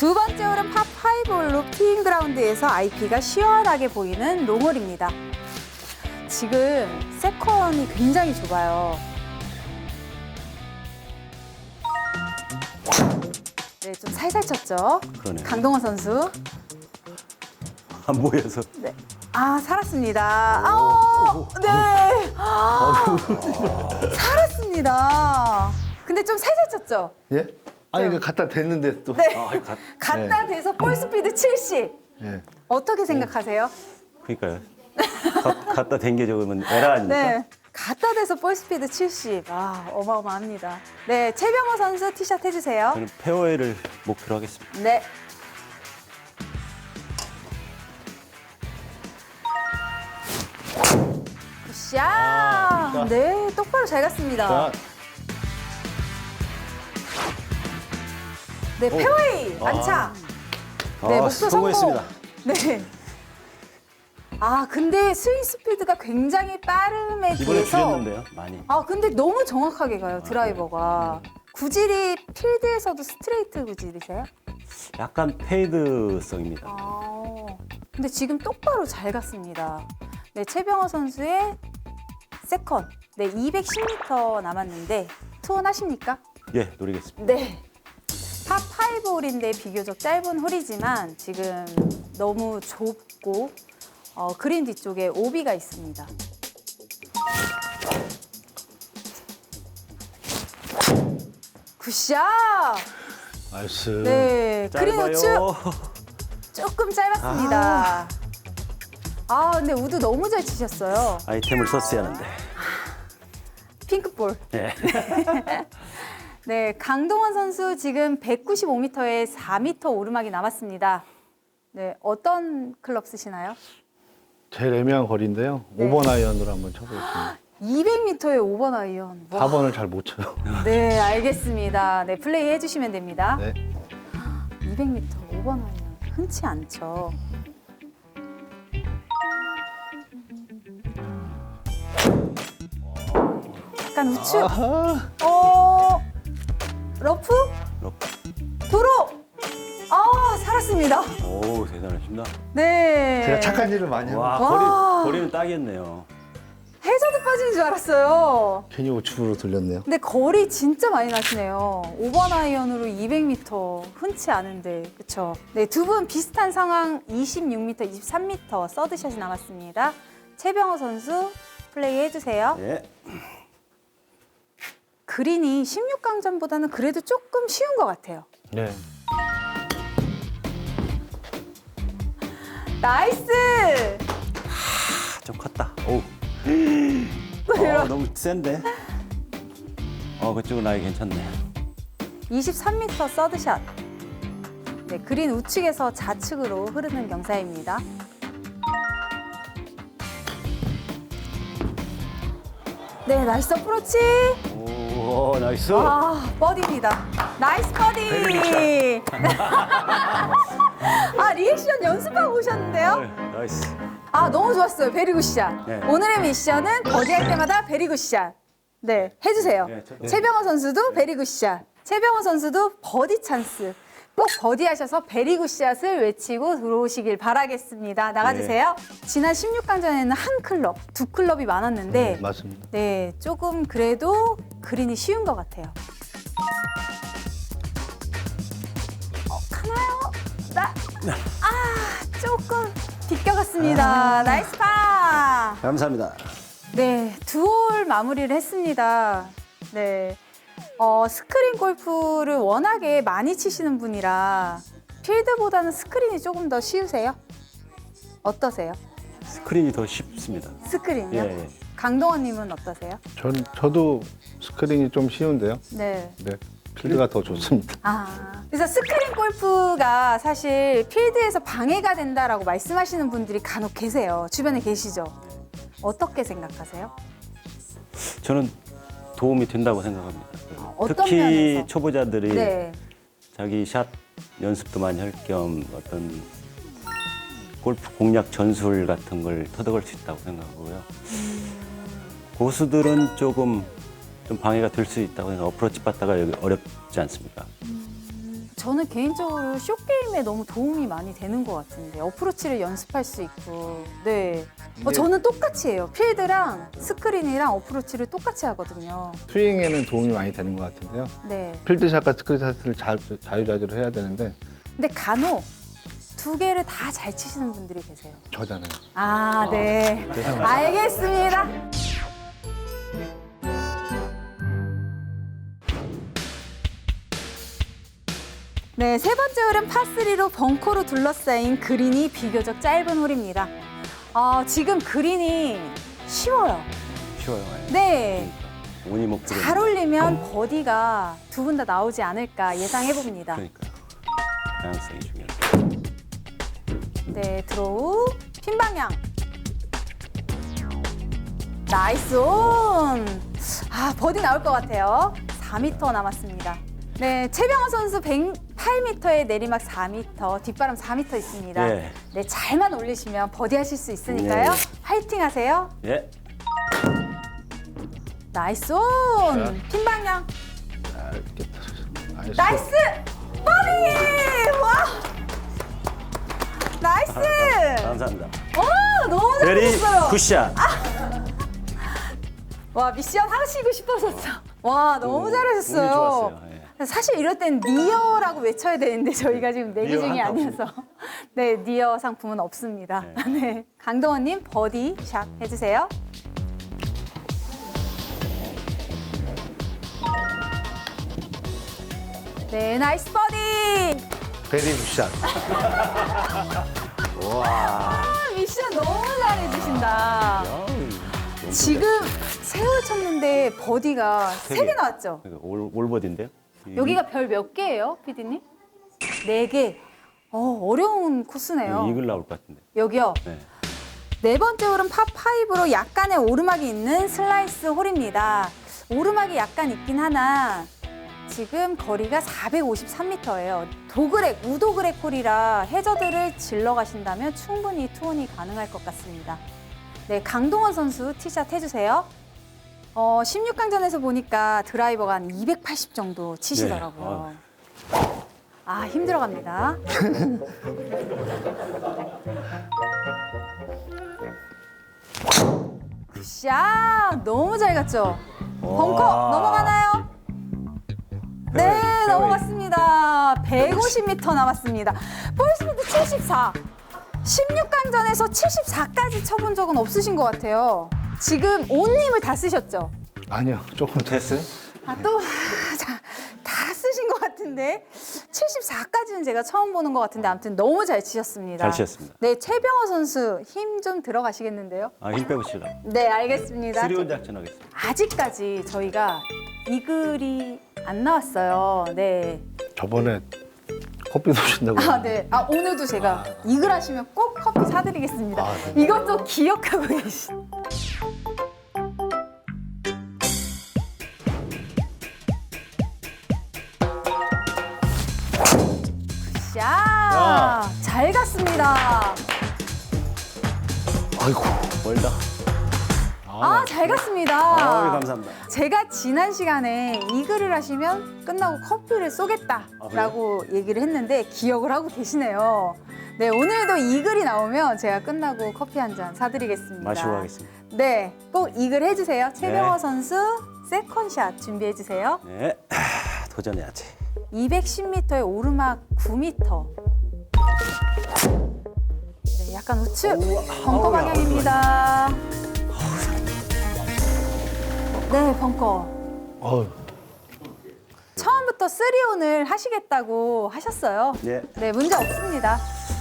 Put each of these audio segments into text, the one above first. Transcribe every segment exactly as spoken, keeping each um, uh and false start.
두 번째 홀은 파파이브 홀로 티잉 그라운드에서 아이피가 시원하게 보이는 롱홀입니다. 지금 세컨이 굉장히 좁아요. 네, 좀 살살 쳤죠. 그러네요. 강동원 선수. 안 보여서. 네. 아, 살았습니다. 아우, 네. 아, 살았습니다. 근데 좀 살살 쳤죠? 예? 아니 그 갖다 댔는데 또. 네. 아, 가, 갖다 대서 볼 스피드 칠십. 예. 어떻게 생각하세요? 그러니까요. 가, 갖다 댄게 적으면 에라 아닙니까? 네. 갖다 대서 볼 스피드 칠십. 아, 어마어마합니다. 네, 최병호 선수 티샷 해주세요. 저는 페어웨이를 목표로 하겠습니다. 네. 굿샷. 아, 네, 똑바로 잘 갔습니다. 자, 네, 페어웨이 안착. 네, 아, 목표 성공. 성공했습니다. 네. 아, 근데 스윙 스피드가 굉장히 빠름에 이번에 비해서 줄였는데요, 많이. 아, 근데 너무 정확하게 가요, 드라이버가. 구질이 필드에서도 스트레이트 구질이세요? 약간 페이드성입니다. 아, 근데 지금 똑바로 잘 갔습니다. 네, 최병호 선수의 세컨. 네, 이백십 미터 남았는데 투혼하십니까? 예, 노리겠습니다. 네. 팝 오 홀인데 비교적 짧은 홀이지만 지금 너무 좁고 어, 그린 뒤쪽에 오비가 있습니다. 굿샷! 나이스. 네, 그린 짧아요. 우측 조금 짧았습니다. 아, 근데 우드 너무 잘 치셨어요. 아이템을 썼어야 하는데. 핑크볼. 예. 네, 강동원 선수 지금 백구십오 미터에 사 미터 오르막이 남았습니다. 네, 어떤 클럽 쓰시나요? 제일 애매한 거리인데요. 네. 오 번 아이언으로 한번 쳐보겠습니다. 이백 미터에 오 번 아이언. 와. 사 번을 잘 못 쳐요. 네, 알겠습니다. 네, 플레이 해주시면 됩니다. 네. 이백 미터 오 번 아이언 흔치 않죠. 약간 우측. 아하. 어, 러프? 러프. 도로. 아, 살았습니다. 오, 대단하십니다. 네. 제가 착한 일을 많이 하고 와, 와. 거리, 거리는 딱이었네요. 해저드 빠지는 줄 알았어요. 괜히 우측으로 돌렸네요. 근데 거리 진짜 많이 나시네요. 오 번 아이언으로 이백 미터 흔치 않은데, 그렇죠? 네, 두 분 비슷한 상황 이십육 미터, 이십삼 미터 서드샷이 남았습니다. 최병호 선수 플레이 해주세요. 예. 그린이 십육 강전보다는 그래도 조금 쉬운 것 같아요. 네. 나이스! 아, 좀 컸다. 오. 이런. 어, 너무 센데? 어, 그쪽은 아예 괜찮네. 이십삼 미터 서드샷. 네, 그린 우측에서 좌측으로 흐르는 경사입니다. 네, 나이스 어프로치. 오, 나이스. 아, 버디입니다. 나이스 버디. 아, 리액션 연습하고 오셨는데요? 네, 나이스. 아, 너무 좋았어요. 베리굿샷. 네. 오늘의 미션은 버디할 때마다 베리굿샷. 네, 해주세요. 네, 저도. 최병호 선수도 베리굿샷. 최병호 선수도 버디 찬스. 꼭 버디하셔서 베리굿샷을 외치고 들어오시길 바라겠습니다. 나가주세요. 지난 십육 강전에는 한 클럽, 두 클럽이 많았는데 네, 맞습니다. 네, 조금 그래도 그린이 쉬운 것 같아요. 어, 가나요? 나, 아, 조금 비껴갔습니다. 나이스 파! 감사합니다. 네, 두 홀 마무리를 했습니다. 네, 어, 스크린 골프를 워낙에 많이 치시는 분이라 필드보다는 스크린이 조금 더 쉬우세요? 어떠세요? 스크린이 더 쉽습니다. 스크린이요? 예, 예. 강동원님은 어떠세요? 전 저도 스크린이 좀 쉬운데요. 네. 네. 필드가 더 좋습니다. 아, 그래서 스크린 골프가 사실 필드에서 방해가 된다라고 말씀하시는 분들이 간혹 계세요. 주변에 계시죠? 어떻게 생각하세요? 저는 도움이 된다고 생각합니다. 어떤 특히 면에서? 초보자들이 네. 자기 샷 연습도 많이 할 겸 어떤 골프 공략 전술 같은 걸 터득할 수 있다고 생각하고요. 고수들은 조금 좀 방해가 될 수 있다고 생각. 어프로치 받다가 여기 어렵지 않습니까? 저는 개인적으로 쇼게임에 너무 도움이 많이 되는 것 같은데 어프로치를 연습할 수 있고 네. 어, 이게- 저는 똑같이 해요. 필드랑 스크린이랑 어프로치를 똑같이 하거든요. 스윙에는 도움이 많이 되는 것 같은데요. 네. 필드샷과 스크린샷을 자, 자유자재로 해야 되는데 근데 간혹 두 개를 다 잘 치시는 분들이 계세요. 저잖아요. 아, 네. 알겠습니다. 네, 세 번째 홀은 파쓰리로 벙커로 둘러싸인 그린이 비교적 짧은 홀입니다. 어, 지금 그린이 쉬워요. 쉬워요. 네. 운이 목표로. 잘 올리면 버디가 두 분 다 나오지 않을까 예상해 봅니다. 그러니까 다양성이 중요하다. 네, 드로우, 핀 방향. 나이스 온! 아, 버디 나올 것 같아요. 사 미터 남았습니다. 네, 최병호 선수 백팔 미터에 내리막 사 미터, 뒷바람 사 미터 있습니다. 예. 네, 잘만 올리시면 버디 하실 수 있으니까요. 예. 화이팅 하세요. 예. 나이스 온! 핀 방향. 자, 이렇게 나이스. 나이스! 버디! 와! 나이스! 감사합니다. 오, 너무 베리 잘하셨어요. 굿샷. 와, 미션 하시고 싶어졌어. 와, 너무 오, 잘하셨어요. 운이 좋았어요. 예. 사실 이럴 땐 니어라고 외쳐야 되는데 저희가 지금 내기 니어 중이 하나 아니어서 네, 니어 상품은 없습니다. 네. 네. 강동원님 버디 샷 해주세요. 네, 나이스 버디! 베리 굿샷. 아, 미션 너무 잘해주신다. 야, 지금 세월 쳤는데 버디가 세 세 개 개. 나왔죠? 올 올버디인데요? 여기가 별 몇 개예요, 피디님? 네 개. 어, 어려운 코스네요. 이글 나올 것 같은데. 여기요. 네. 네 번째 홀은 파파이브로 약간의 오르막이 있는 슬라이스 홀입니다. 오르막이 약간 있긴 하나 지금 거리가 사백오십삼 미터예요. 도그렉, 우도그렉 홀이라 해저드를 질러 가신다면 충분히 투혼이 가능할 것 같습니다. 네, 강동원 선수 티샷 해주세요. 어, 십육 강전에서 보니까 드라이버가 한 이백팔십 정도 치시더라고요. 아, 힘들어갑니다. 굿샷! 너무 잘 갔죠? 벙커 와. 넘어가나요? 네, 페어웨이. 넘어갔습니다. 백오십 미터 남았습니다. 볼스피드 칠십사. 십육 강전에서 칠십사까지 쳐본 적은 없으신 것 같아요. 지금 온님을 다 쓰셨죠? 아니요, 조금 됐어요. 아, 또, 자, 다 쓰신 것 같은데. 칠십사까지는 제가 처음 보는 것 같은데, 아무튼 너무 잘 치셨습니다. 잘 치셨습니다. 네, 최병호 선수 힘 좀 들어가시겠는데요? 아, 힘 빼고 치라. 네, 알겠습니다. 쓰리온 작전하겠습니다. 아직까지 저희가 이글이 안 나왔어요. 네. 저번에 커피 쏘신다고. 아, 네. 아, 오늘도 제가 이글 하시면 꼭 커피 사드리겠습니다. 아, 네. 이것도 기억하고 계신. 자, 잘 갔습니다. 아이고. 멀다. 아, 잘 갔습니다. 아, 감사합니다. 제가 지난 시간에 이글을 하시면 끝나고 커피를 쏘겠다라고 얘기를 했는데 기억을 하고 계시네요. 네, 오늘도 이글이 나오면 제가 끝나고 커피 한 잔 사드리겠습니다. 마시고 가겠습니다. 네, 꼭 이글 해주세요. 최병호 네. 선수 세컨샷 준비해주세요. 네. 하, 도전해야지. 이백십 미터의 오르막 구 미터. 네, 약간 우측 벙커 아우야, 방향입니다. 네, 벙커. 어휴. 처음부터 쓰리온을 하시겠다고 하셨어요. 네. 네, 문제 없습니다.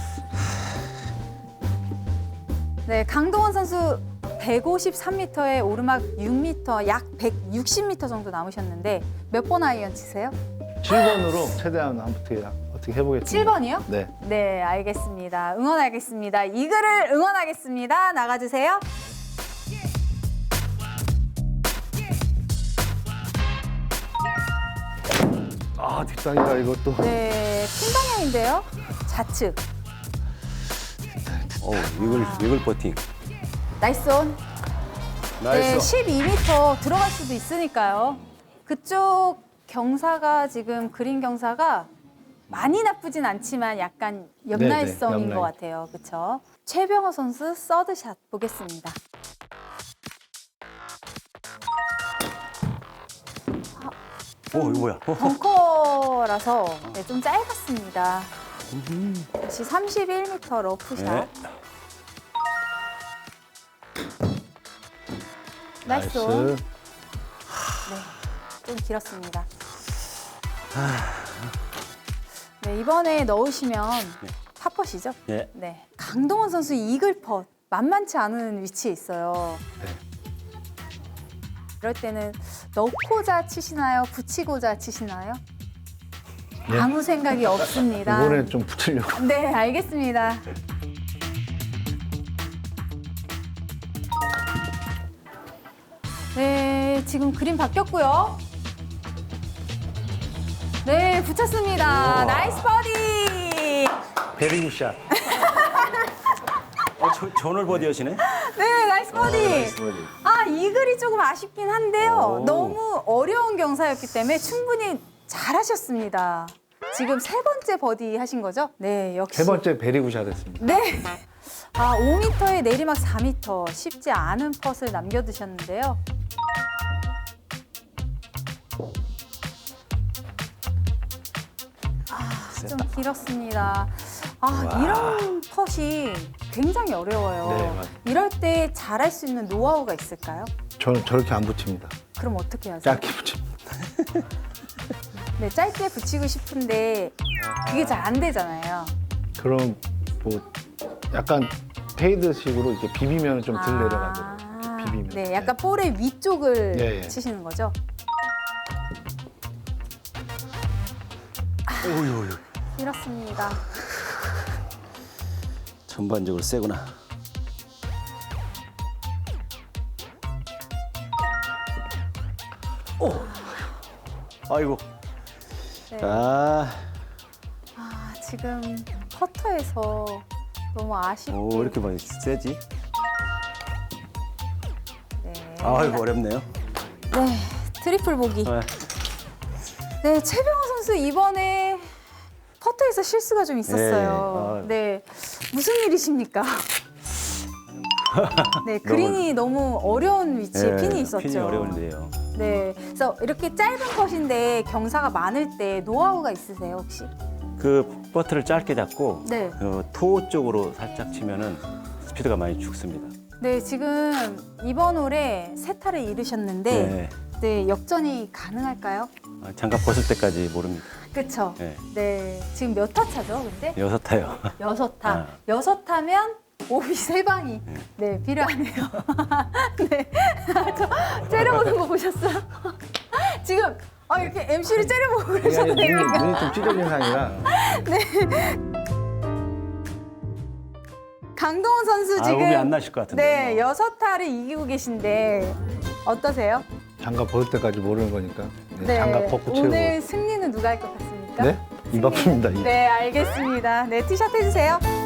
네, 강동원 선수 백오십삼 미터의 오르막 육 미터, 약 백육십 미터 정도 남으셨는데 몇 번 아이언 치세요? 칠 번으로 최대한 한번 어떻게, 어떻게 해보겠습니다. 칠 번이요? 네. 네, 알겠습니다. 응원하겠습니다. 이글을 응원하겠습니다. 나가주세요. 아, 뒷땅이다, 이것도. 네, 핀 방향인데요. 좌측. 어, 이글 이글 버팅. 나이스 온. 네, 나이스. 십이 미터 들어갈 수도 있으니까요. 그쪽 경사가 지금 그린 경사가 많이 나쁘진 않지만 약간 옆날성인 네네, 옆날. 것 같아요. 그렇죠? 최병호 선수 서드샷 보겠습니다. 오, 이거 뭐야? 어, 벙커라서 네, 좀 짧았습니다. 역시 삼십일 미터 러프샷. 네. 나이스 온. 나이스. 네, 좀 길었습니다. 네, 이번에 넣으시면 팝퍼시죠? 네. 네. 강동원 선수 이글 펫 만만치 않은 위치에 있어요. 네. 이럴 때는 넣고자 치시나요? 붙이고자 치시나요? 네. 아무 생각이 없습니다. 이번엔 좀 붙으려고. 네, 알겠습니다. 네, 지금 그림 바뀌었고요. 네, 붙였습니다. 우와. 나이스 버디! 베리 굿샷. 어, 저, 전월 버디하시네? 네, 나이스 버디! 아, 이 글이 조금 아쉽긴 한데요. 오. 너무 어려운 경사였기 때문에 충분히 잘하셨습니다. 지금 세 번째 버디 하신 거죠? 네, 역시. 세 번째 베리 굿샷 했습니다. 네. 아, 오 미터에 내리막 사 미터. 쉽지 않은 펫을 남겨두셨는데요. 아, 좀 길었습니다. 아, 와. 이런 펫이 굉장히 어려워요. 네, 맞아요. 이럴 때 잘할 수 있는 노하우가 있을까요? 저는 저렇게 안 붙입니다. 그럼 어떻게 하죠? 짧게 붙입니다. 네, 짧게 붙이고 싶은데 그게 잘 안 되잖아요. 그럼 뭐 약간 페이드식으로 이렇게 비비면 좀 덜 내려가더라고요. 아, 이렇게 비비면. 네, 약간 볼의 위쪽을 네, 네. 치시는 거죠? 오유, 이렇습니다. 전반적으로 세구나. 오! 아이고. 네. 아, 아, 지금 퍼터에서 너무 아쉽게. 오, 이렇게 많이 세지? 네. 아이고, 어렵네요. 네, 트리플 보기. 아, 네, 최병호 선수 이번에 퍼터에서 실수가 좀 있었어요. 네, 무슨 일이십니까? 네, 그린이 너무 어려운 위치에 네, 핀이 있었죠. 핀이 어려운데요. 네, 그래서 이렇게 짧은 컷인데 경사가 많을 때 노하우가 있으세요 혹시? 그 버트를 짧게 잡고 네. 그 토 쪽으로 살짝 치면은 스피드가 많이 죽습니다. 네, 지금 이번 홀에 세 타를 이루셨는데 네. 네, 역전이 가능할까요? 아, 장갑 벗을 때까지 모릅니다. 그쵸? 네. 네, 지금 몇 타 차죠, 근데? 여섯 타요. 여섯 타. 아. 여섯 타면 오비 세 방이 네, 필요하네요. 네, 저 째려보는 거 보셨어요? 지금 아, 이렇게 엠씨를 째려보고 이게 아니라 그러셔도 눈이, 됩니까? 눈이 좀 찢어진 상이라. 강동원 선수 아, 지금 오비 안 나실 것 같은데. 네, 여섯 타를 이기고 계신데 어떠세요? 장갑 벗을 때까지 모르는 거니까. 네, 장갑 벗고 채우고. 오늘 승리는 누가 할 것 같습니까? 네? 입 아픕니다. 입. 네, 알겠습니다. 네, 티셔츠 해주세요.